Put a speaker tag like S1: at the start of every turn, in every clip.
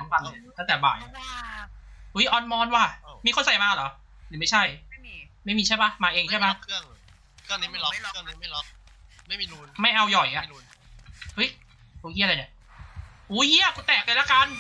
S1: ปั่นเลยตั้งแต่บ่ายอุ้ยออนมอนว่ะมีคนใส่มาเหรอหรือไม่ใช่ไม่มีใช่ปะมาเองใช่ปะ
S2: เครื่องนี้ไม่ล็อกเครื่องนี้ไม่ล็อกไม่มีรูน
S1: ไม่เอาหย่อยอ่ะเฮ้ยตรงเหี้ยอะไรเนี่ยอุ้ยเหี้ยกูแตกเลยละกัน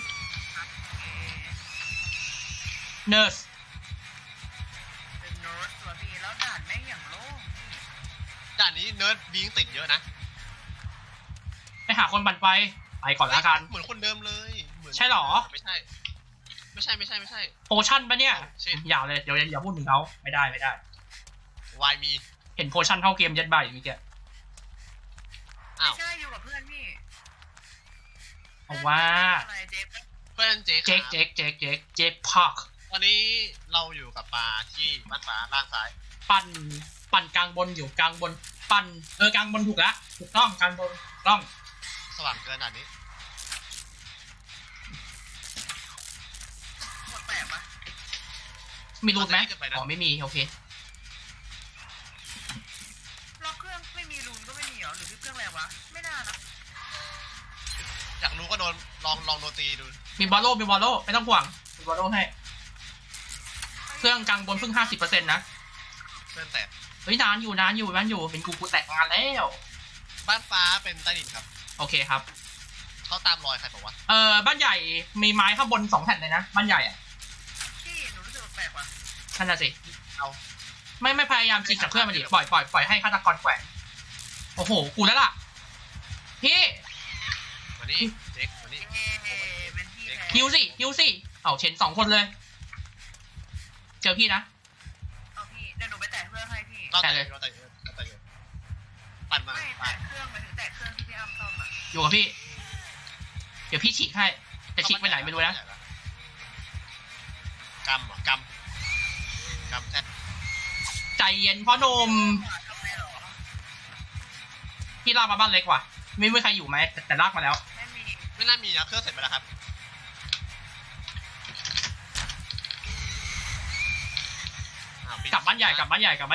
S1: เนิร์ส
S3: เป็นเนิร์สตัวพี่แล้วด่านแม่งอย่างโล่ง
S2: ด่านนี้เนิร์ดวิ่งติดเยอะนะ
S1: ไปหาคนปั่นไฟไปก่อนละกัน
S2: เหมือนคนเดิมเลย
S1: ใช่หรอ
S2: ไม่ใช่
S1: โอชั่นปะเนี่ยอย่าเลยเดี๋ยวอย่าพูดถึงเขาไม่ได้
S2: วายมี
S1: เห็นโพชั่นเข้าเกมยัดใบมีแก
S3: ไม่ใช่อยู่กับเพื่อนพี่
S1: เอาว่า
S2: เพื่อนเ
S1: จ๊กพัก
S2: ตอนนี้เราอยู่กับปลาที่บ้านฟ้าล่างซ้าย
S1: ปั่นกลางบนอยู่กลางบนปั่นกลางบนถูกแล้วถูกต้องกลางบนต้อง
S2: สว่างเกินด่านนี้
S3: หมดแปะปะ
S1: มีรูนไหมอ๋อไม่มีโอเค
S3: ล็อกเครื่องไม่มีรูนก็ไม่มีเหรอหรือที่เครื่องอะไรวะไม่น่านะ
S2: อยากรู้ก็โดนลองโดนตีดู
S1: มีบอลโล่ไม่ต้องห่วงมีบอลโล่ให้เครื่องกลางบนเพิ่ง 50% นะ
S2: เครื่องแตก
S1: เฮ้ยนานอยู่เป็นกูแตกงานแล้ว
S2: บ้านฟ้าเป็นใต้ดินครับ
S1: โอเคครับ
S2: เขาตามรอยใครบอกว่า
S1: บ้านใหญ่มีไม้ข้างบน2 แผ่นเลยนะบ้านใหญ่อ่ะ
S3: พี่หนูรู้สึกแปลกว่ะ
S1: นั่นน่ะสิ
S2: เอา
S1: ไม่พยายามจิกจากเพื่อนมาดิปล่อยให้ฆาตกรแขวนโอ้โหกูแล้วล่ะพี่
S2: มานี่เจ๊กมานี่
S1: ฮิวสิเอาเชน2 คนเลยเจอพี่นะ
S3: เอาพี่เดี๋ยวหนูไปแตะเครื่องให้พี่
S2: แต่เลยปั่นมา
S3: แตะเครื่องมาถึงแตะเครื่องที่พี่อ้ำซ่อมอ่ะ
S1: อยู่กับพี่เดี๋ยวพี่ฉีกให้จะฉีกไปไหนไม่รู้นะ
S2: กำแท้
S1: ใจเย็นพ่อหนุ่มพี่ลากมาบ้านเล็กว่ะไม่มีใครอยู่ไหมแต่ลากมาแล้ว
S2: ไม่น่ามีนะเครื่องเสร็จไปแล้วครับ
S1: กลับบ้านใหญ่เค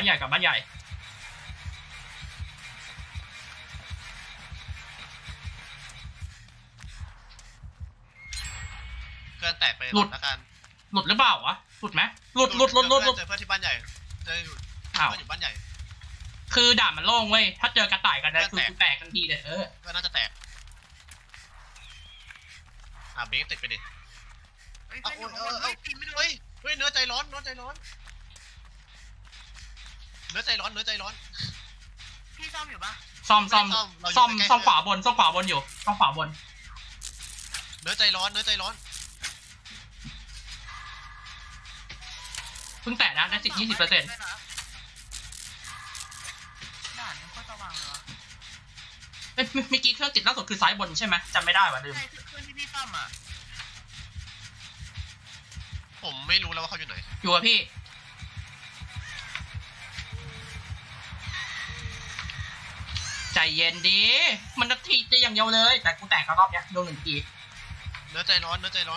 S2: รื่องแตกไปหลุดแล้วกัน
S1: หลุดหรือเปล่าวะหลุดไหมหลุด
S2: เจอเพื่อนที่บ้านใหญ่เจออยู่บ้านใหญ่
S1: คือด่านมันโล่งเว้ยถ้าเจอกระต่ายกันนะคือแตกทันทีเลย
S2: ก็น่าจะแตกเบรกติดไปดิเฮ้ยเนื้อใจร้อน
S3: พี่ซ่อมอยู่ปะ
S1: ซ่อมขวาบนอยู่ซ่อมขวาบน
S2: เนื้อใจร้อน
S1: เพิ่งแตะนะได้10-20%
S3: ด่านมันก็สว่างเลยวะ
S1: เมื่อกี้เครื่องติดล่าสุดคือซ้ายบนใช่ไหมจำไม่ได้ว่ะลืม
S3: ใช่เครื่องที่พี่ซ่อมอ่ะ
S2: ผมไม่รู้แล้วว่าเขาอยู่ไหน
S1: อยู่กับพี่ใจเย็นดีมันนาทีจะอย่างเดียวเลยแต่กูแตกรอบเนี้ยโดน1 ที
S2: เนื้อใจร้อน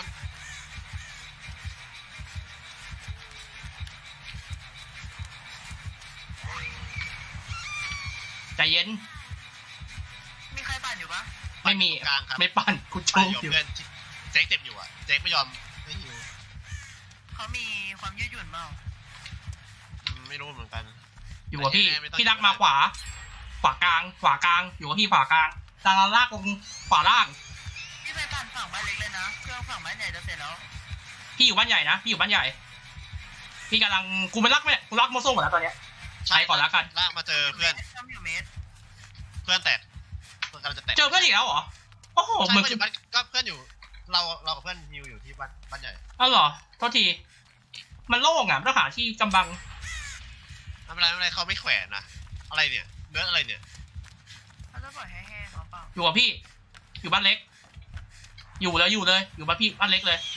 S1: ใจเย็น
S3: มีใครปั่นอยู่ปะ
S1: ไม่มีไม่ปั่นกูโชว์อยู่
S2: เจ๊กเจ็บอยู่อ่ะเจ๊กไม่ยอมไม่หิว
S3: เขามีความยืดหยุ่นเปล่า
S2: ไม่รู้เหมือนกัน
S1: อยู่กับพี่รักมาขวากลางอยู่กับพี่ขวากลางตาลากลงขวาล่าง
S3: พี่ไปปั่นฝั่งบ้านเล็กเลยนะเครื่องฝั่งบ้านใหญ่จะเสร็จแล้ว
S1: พี่อยู่บ้านใหญ่นะพี่กำลังกูไม่รักไหมกูรักโมโซ่หมดแล้วตอนเนี้ยใช้ก่อนแล้วกัน
S2: ลากมาเจอเพื่อนแตกกำลังจะแตก
S1: เจอเพื่อนอีกแล้วเหรอโอ้โห
S2: เหมือนก็เพื่อนอยู่เรากับเพื่อนฮิวอยู่ที่บ้านใหญ่
S1: อ้าวเหรอโทษทีมันโล่งอ่ะต้องหาที่กำบัง
S2: ไม่เป็นไรเขาไม่แขวนนะอะไรเนี่ยเนื้ออะไรเนี่ย
S3: เขาจะปล่อยให้แห้งเปล่า
S1: อยู่กับพี่อยู่บ้านเล็กอยู่เลยอยู่บ้านพี่บ้านเล็กเลย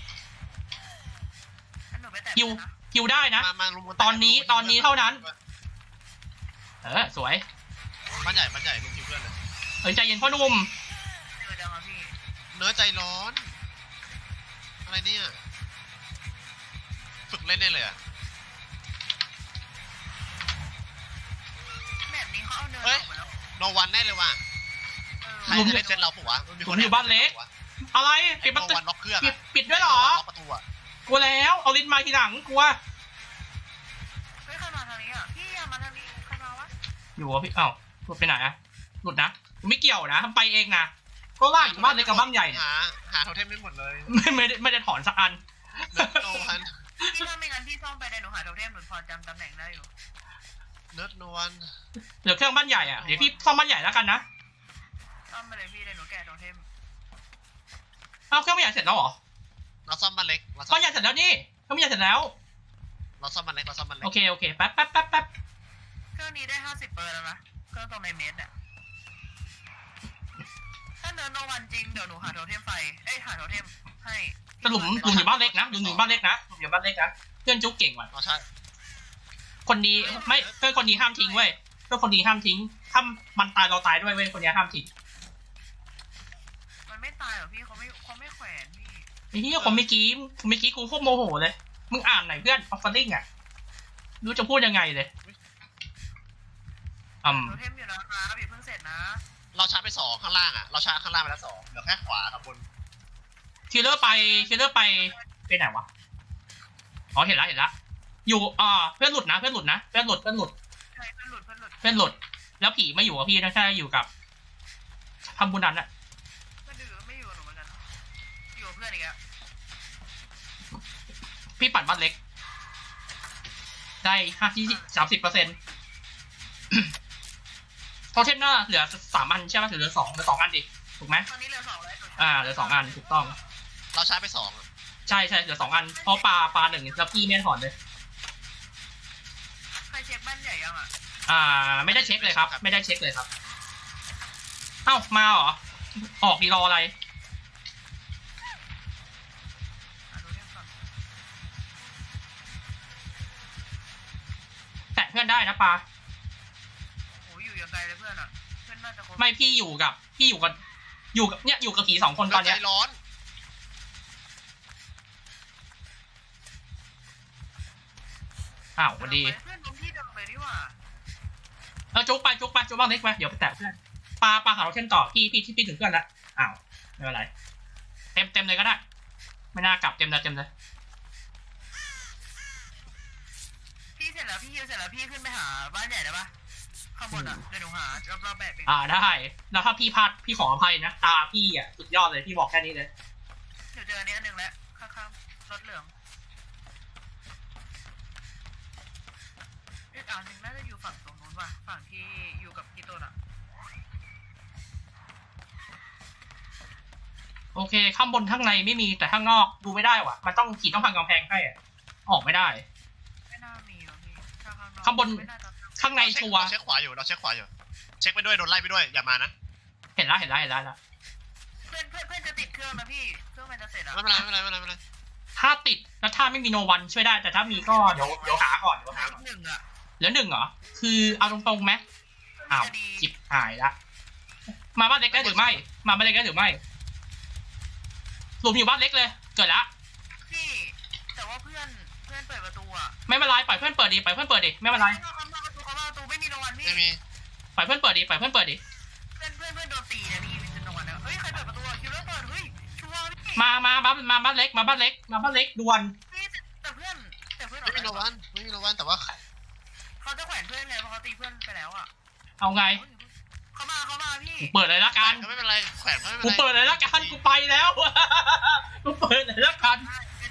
S1: ฮิวได้นะตอนนี้เท่านั้นสวย
S2: บ้านใหญ่ลุงฮิวเพื่อนเลย
S1: ใจเย็นพ่อหนุ่ม
S2: เนื้อใจร้อนอะไรเนี่ยฝึกเล่นได้เลยอะ
S3: แบบนี้เขาเอาเนื้อ
S2: โนวันแน่เลยว่ะใครจะได้เซตเราปุ๊บวะ
S1: ผมอยู่บ้านเล็กอะไร
S2: ไอ้
S1: ปิดประตู
S2: วันล็อกเครื่อง
S1: ปิดด้วยเหรอ
S2: ล็อกประตูอะ
S1: กลัวแล้วเอาลิ้นมาทีหลังกลัว
S3: เฮ้ยใครมาทางนี้อ่ะพี่อย่ามาทางนี้ใครมาวะ
S1: อยู่วะพี่เอ้าหลุดไปไหนอะหลุดนะไม่เกี่ยวนะทำไปเองนะก็ล่าอยู่บ้านเล็กกับบ้านใหญ่เนี่ย
S2: หาโทเทมได้หมดเลย
S1: ไม่ได้ถอนสักอัน
S2: เนิร์ดโนวัน
S3: พี่ถ้าไม่งั้นพี่ซ่อมไปในหนูหาโทเทมหนูพอจำตำแหน่งได้อยู่
S2: เนิร์ดโนวัน
S1: เหลือเครื่องบ้านใหญ่อะเดี๋ยวพี่ซ่อมบ้านใหญ่แล้วกันนะ
S3: ซ่อมไปเลยพี่ในหนูแกะโทเทม
S1: เอ้าเครื่องบ้านใหญ่เสร็จแล้วเหรอ
S2: เราซ่อมบ้านเล็กเราซ่อ
S1: บ้าม นใหญ่เสร็จแล้วนี่เครื่องบ้านใหญ่เสร็จแล้ว
S2: เราซ่อมบ้านเล็กเราซ่อมบ้านเล็ก
S1: โอเคแป๊บ
S3: เครื่องนี้ได้50 เปอร์แล้วนะเครื่องตรงในเมตรอ่ะถ้าเนินโนวันจริงเดี๋ยวหนูหาโทเทมไฟหาโทเทมให้
S1: แต่หลุมอยู่บ้านเล็กนะหลุมอยู่บ้านเล็กนะหลุมอยู่บ้านเล็กนะเพื่อนจุ๊กเก่งว่ะ
S2: เราใช่
S1: คนดีไม่เพื่อนคนดีห้ามทิ้งเว้ยเพื่อนคนดีห้ามทิ้งถ้ามันตายเราตายด้วยเว้ยคนนี้ห้ามทิ้ง
S3: มันไม่ตายหรอพี่เขาไม่แขวนพี่
S1: ไอ้เหี้ยคนเมื่อกี้กูโคตรโมโหเลยมึงอ่านหน่อยเพื่อนออฟเฟอร์ลิงอะรู้จะพูดยังไงเลย
S3: โทเทมอยู่นะครับอย่าเพิ่งเสร็จนะ
S2: เราชาร์จไป2ข้างล่างอะเราชาร์จข้างล่างไปแล้ว2เหลือแค่ขวากับบน
S1: คิลเลอร์ไปไหนวะอ๋อเห็นละอยู่เพื่อนหลุดนะเพื่อนหลุด
S3: ใช่เพื่อนหลุด
S1: แล้วผีไม่อยู่กับพี่นะใช่อยู่กับทำบุญนั้นอะ
S3: ไม่อยู่กับหนูเหมือนกันอยู่กับเพื่อนอีกแล้ว
S1: พี่ปั่นบ้านเล็ก ได้30%โทเทมน่าเหลือ3 อันใช่ไหมเหลือ2อันดิถูกไหม
S3: ตอนนี้เหลือ2แล้ว
S1: เหลือ2 อันถูกต้อง
S2: เราชาร์จไป2อะ
S1: ใช่เหลือ2 อันเพราะปลา1แล้วพี่ไม่ถอนเลย
S3: ใครเช็คบ้านใหญ่ยังอ่ะ
S1: ไม่ได้เช็คเลยครับ ไม่ได้เช็คเลยครับเอ้ามาเหรอออกดีรออะไร
S3: หาโทเทมก่อน
S1: แตะเพื่อนได้นะปลา
S3: โอ้ยอยู่อย่างไกลเลยเพื่อนอ่ะเพื่อนน่าจะครบ
S1: ไม่พี่อยู่กับอยู่กับผี2 คนตอนเนี้ย
S2: ใจร้อน
S1: อ้าวสวัสดี
S3: เพื่อนล้มที่เดิมเลยนี่หว่า
S1: จุกไปบ้างเล็กมาเดี๋ยวไปแตะเพื่อนปลาหาเราเช่นต่อพี่ถึงเพื่อนแล้วอ้าวไม่เป็นไรเต็มเลยก็ได้ไม่น่ากลับเต็มเลย
S3: พี่เสร็จแล้วพี่ฮิวเสร็จแล้วพี่ขึ้นไปหาบ้านใหญ่ได้ปะข้างบนอ่ะเดี๋ยวหนูหารอบๆแบบเอง
S1: ได้แล้วถ้าพี่พลาดพี่ขออภัยนะตาพี่อ่ะสุดยอดเลยพี่บอกแค่นี้เลย
S3: เดี๋ยวเจออันนี้อันหนึ่งแล้วข้างๆรถเหลืองอีกอันหนึ่งน่าจะอยู่ฝั่งตรงนู้นว่ะฝั่งที่อยู่กับพี่ต้นอ่ะ
S1: โอเคข้างบนข้างในไม่มีแต่ข้างนอกดูไม่ได้ว่ะมันต้องผีต้องพังกำแพงให้อ่ะออกไม่ได้
S3: ไม่น่ามีหรอกพี่ถ้าข้างนอก
S1: ข้างบน
S3: ไม่น่าจะ
S1: ข้างในชัวร์
S2: เราเช็คขวาอยู่เช็คไปด้วยโดนไล่ไปด้วยอย่ามานะ
S1: เห็นแล้ว
S3: เพื่อนจะติดเครื่องนะพี่เครื่องมันจะเสร็จอ่ะ
S2: ไม่เป็นไร
S1: ถ้าติดแล้วถ้าไม่มีโนวันช่วยได้แต่ถ้ามีก็เดี๋ยวหาก่อน
S3: หนึ่งอ่ะ
S1: เหลือ 1เหรอคือเอาตรงๆไหมอ้าว
S3: จะดี
S1: จิบหายละมาบ้านเล็กได้หรือไม่หลุมอยู่บ้านเล็กเลยเกิดละ
S3: พี่แต่ว่าเพื่อนเปิดประตูอ่ะ
S1: ไม่เป็นไรปล่อยเพื่อนเปิดดิไม่เป็นไร
S3: เขามาประตูไม่มีรางวัลพี่
S2: ไม่มี
S1: ปล่อยเพื่อนเปิดดิ
S3: เพื่อนโดนตีนะพี่เป็นรางวัลนะเฮ้ยใครเปิดประตูคิวเลอร์เปิดเฮ้ยชัวร์พี่
S1: มาบ้านเล็กด่วน
S3: พี่แต่เพื่อน
S2: ไม่มีโนวันแต่ว่า
S3: เขาจะแขวนเพื่อนไงเพราะเขาตีเพื่อนไปแล้วอ่ะ
S1: เอาไง
S3: เขามาพี่
S1: กูเปิดเลยละกัน
S2: ไม่เป็นไรแขวนไม่
S1: กู
S2: เป็นไร
S1: เปิดเลยละกันกูไปแล้วกูเปิดเลยละกัน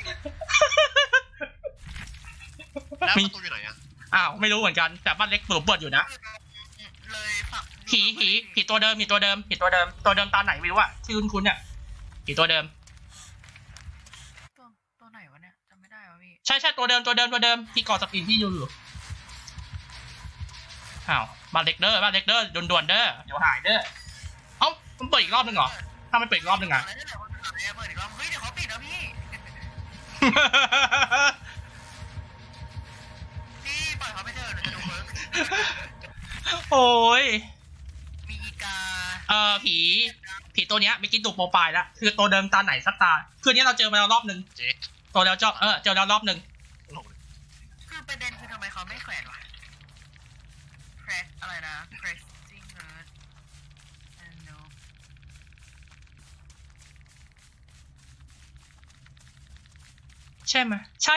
S2: แล้วประตูอยู่ไหนอะ
S1: อ้าวไม่รู้เหมือนกันแต่บ้านเล็กเปิดอยู่นะ
S3: เลยฝัก
S1: ผีตัวเดิมตาไหนไม่รู้อะชื่อคุณเนี่ยผีตัวเดิม
S3: ตัวไหนวะเนี่ยจำไม่ได้วะพี่
S1: ใช่ตัวเดิมที่กอสปินที่อยู่อ้าวบ้านเล็กเด้อด่วนเด้อเดี๋ยวหายเด้อเอ้ามันเปิดอีกรอบนึงเหรอถ้ามันเปิดอีกรอบนึงอะ
S3: เปิดอีกรอบเฮ้ยเดี๋ยวเขาปิดแล้วพี่พี่ปล่อยเขาไปเถอะหนูจะดูเวิร์ก
S1: โอ้ย
S3: มีอีกา
S1: ผีตัวเนี้ยไม่กินตัวโปรไฟล์แล้วคือตัวเดิมตาไหนสักตาคืนนี้เราเจอมาแล้วรอบนึง
S2: เจ๊
S1: ตัวแล้วเจอแล้วรอบนึง
S3: คือประเด็นคือทำไมเขาไม่แขวนวะแครอะไรนะ Crazy Nerd and no
S2: เ
S1: ใช่ไหมใช่